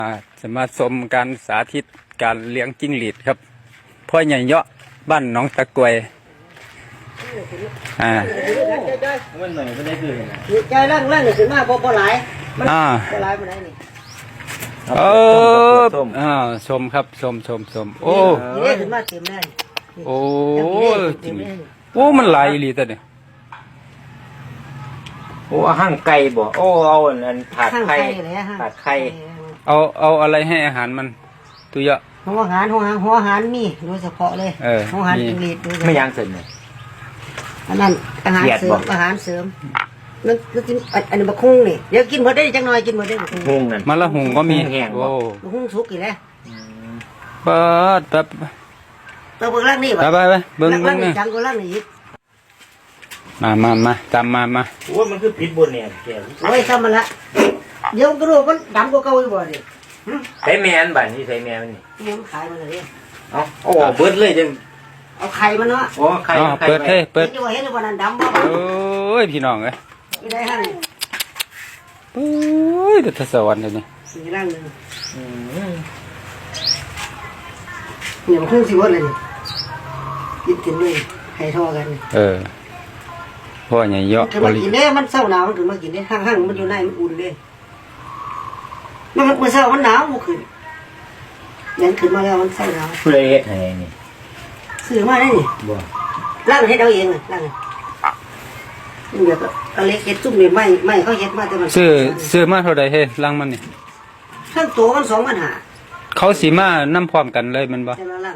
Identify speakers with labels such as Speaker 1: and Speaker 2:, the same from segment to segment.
Speaker 1: จะมาชมการสาธิตการเลี้ยงจิ้งหรีดครับพ่อใหญ่เยาะบ้านหนองตะกวย
Speaker 2: มันหน่อยไม่ได้คือ
Speaker 3: ใจร่างนี่ขึ้นมาบ่หลายมันบ่หลายบ่ได้นี่
Speaker 1: ชมครับชมโอ้
Speaker 3: นี่ขึ้นมาเต็มเลย
Speaker 1: โอ้จริงโอ้มันหลายอีหลีแต่เนี่ย
Speaker 2: โอ้ห่างไก่บ่โอ้เอาอันผัดไข่ผัดไข่
Speaker 1: เอาอะไรให้อาหารมันตัวเยอะ
Speaker 3: หัวอาหารมีโดยเฉพาะเลยหัวอาหารจิ้งหรีด
Speaker 2: ไม่ยังเสร็จเลย
Speaker 3: อันนั้นอาหารเสริมนั่นกินอันนี้บะคุ้งนี่เดี๋ยวกินหมดได้จังหน่อยกินหมดได้บะ
Speaker 2: คุ้งนั่น
Speaker 1: มะละหุงก็มี
Speaker 2: โอ้
Speaker 3: บะคุ้งสุกอีกแล้ว
Speaker 1: เปิดแบบ
Speaker 3: ตัวเบิ่งล่างนี่
Speaker 1: ไปเบิ่ง
Speaker 3: นี่จังก็ล่างนี่อีก
Speaker 1: มาตามมา
Speaker 2: โอ้มันคือผิดบนเนี่ยแก
Speaker 3: โอ้ยทำมันละเดี๋ยวกระดูกมันดำกว่าเก่าอีกบ่ดิ
Speaker 2: ใส่แมนบ้านนี่ใส่แมนนี่
Speaker 3: มันขายมันเลย
Speaker 2: เอาโอ้เบิดเลยจัง
Speaker 3: เอาไข่มันเนาะ
Speaker 2: โอ้ไข่
Speaker 1: เปิด
Speaker 3: เห็นอยู่ว่านั่นดำบ่
Speaker 1: โอ้ยพี่น้องเอ้ย
Speaker 3: ไม่ได้ฮะนี่
Speaker 1: โอ้ยเดือดสวรรค์เลยนี่
Speaker 3: สีร่างนึงเนี่ยมันคงสิว่าเลยกินเลยให้ทอกัน
Speaker 1: พ่อใหญ่เยอะ
Speaker 3: มันกินได้มันเศร้าหนาวมันถึงมากินได้ห้างมันอยู่ในมันอุ่นเลยมันเศร้ามันหนาวมันขึ้นยันขึ้นมาแล้วมันเศร้าหนาว
Speaker 2: เพื่อเฮ็ดให้นี่
Speaker 3: ซื้อมาได้นี่
Speaker 2: บ่
Speaker 3: ร่างให้เราเองร่างนี่แบบเอาเล็กเฮ็ดซุ่มนี่ไม่เขาเฮ็ดมาแต่มัน
Speaker 1: ซื้อมาเท่าใดเฮ้ร่างมันนี่
Speaker 3: ทั้งตัวมัน2,500
Speaker 1: เขาสีมาน้ำพร้อมกันเลยมันบ่
Speaker 3: แต่ละร่าง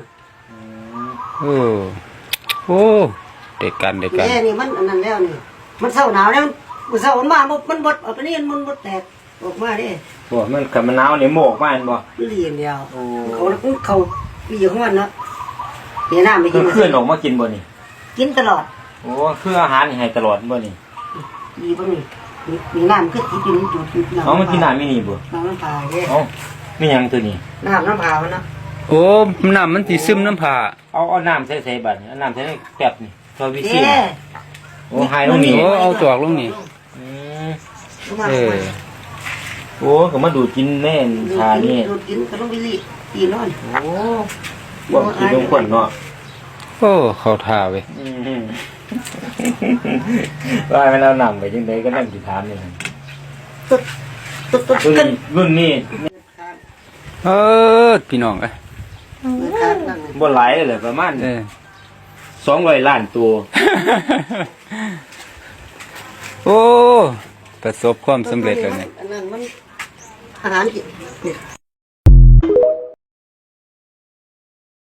Speaker 1: โอ้เด็กกัน
Speaker 3: นี่มันอันนั้นแล้วนี่มันเศร้าหนาวแล้วมันเศร้ามันมามันบดเอาไปนี่มันบดแตกออกมาดิ
Speaker 2: บ่มันกับมันหนาวนี่โมกมาอันบ่
Speaker 3: เรียนเดียวเขาปีของมันเนาะเดี๋ยวน้ำไปกิน
Speaker 2: เพื่อนออกมากินบ่นี่
Speaker 3: กินตลอด
Speaker 2: โอ้คืออาหารนี่ให้ตลอดบ่นี่
Speaker 3: ดีบ่นี่มีน้ำคือกินจุด
Speaker 2: น้ำมันกินน้ำไม่นี่บ่
Speaker 3: น้ำผาเด้
Speaker 2: ไม่ยังตัวนี้
Speaker 3: น้ำผามันเนาะ
Speaker 1: โอ้น้ำมันสีซึมน้ำผา
Speaker 2: เอาน้ำใส่บัดเอาน้ำใส่แก็บนี่ตัววิซีโอ้หายลงนี่
Speaker 1: เอาจอกลงนี่
Speaker 2: โอ้ก็มาดูดกินแม่นทานี่
Speaker 3: ดูดกินก็ต้องไปรีกินนอน
Speaker 2: โอ้บ่กินลงคนเนาะ
Speaker 1: โอ้เข้าท่าเว้ย
Speaker 2: ว่ามันเอาน้ำไปจังได๋ก็นั่งสิถามนี่รุ่นนี้
Speaker 1: พี่น้อง
Speaker 2: บ่หลายเลยประมาณ200 ล้านตัว
Speaker 1: โอ้ประสบความสำเร็จแล้วเนี่ย
Speaker 3: อันนั้นมันอาหารกิน